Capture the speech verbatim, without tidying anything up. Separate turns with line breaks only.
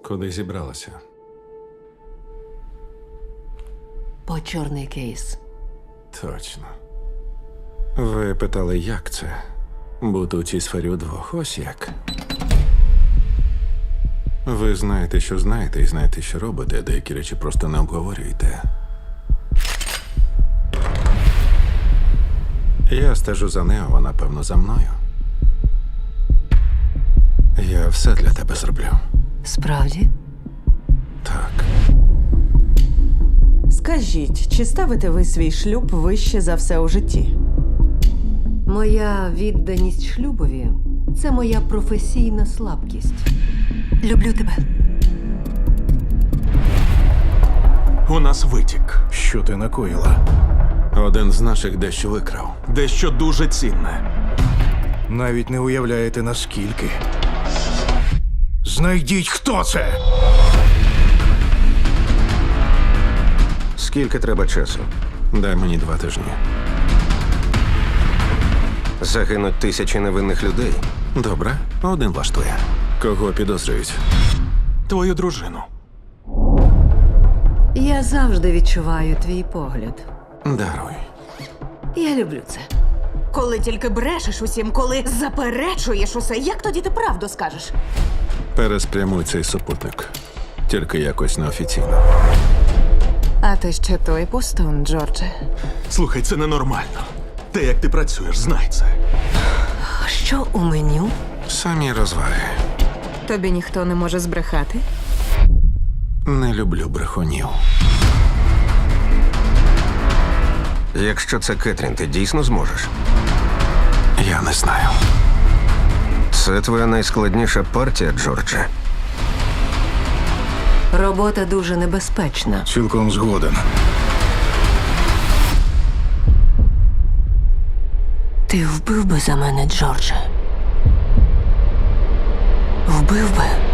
Куди зібралася?
По чорний кейс.
Точно. Ви питали, як це? Бути у цій сфері удвох. Ось як. Ви знаєте, що знаєте, і знаєте, що робите, а деякі речі просто не обговорюєте. Я стежу за нею, а вона, певно, за мною. Я все для тебе зроблю.
Справді?
Так.
Скажіть, чи ставите ви свій шлюб вище за все у житті?
Моя відданість шлюбові – це моя професійна слабкість. Люблю тебе.
У нас витік.
Що ти накоїла?
Один з наших дещо викрав.
Дещо дуже цінне.
Навіть не уявляєте, наскільки. Знайдіть, хто це!
Скільки треба часу?
Дай мені два тижні.
Загинуть тисячі невинних людей.
Добре, один влаштує. Кого підозрюють?
Твою дружину.
Я завжди відчуваю твій погляд.
Даруй.
Я люблю це.
Коли тільки брешеш усім, коли заперечуєш усе, як тоді ти правду скажеш?
Переспрямуй цей супутник. Тільки якось неофіційно.
А ти ще той пустун, Джордже.
Слухай, це ненормально. Те, як ти працюєш, знай це.
А що у меню?
Самі розваги.
Тобі ніхто не може збрехати?
Не люблю брехунів.
Якщо це Кетрін, ти дійсно зможеш?
Я не знаю.
Це твоя найскладніша партія, Джордже.
Робота дуже небезпечна.
Цілком згоден.
Ти вбив би за мене, Джордже? Вбив би?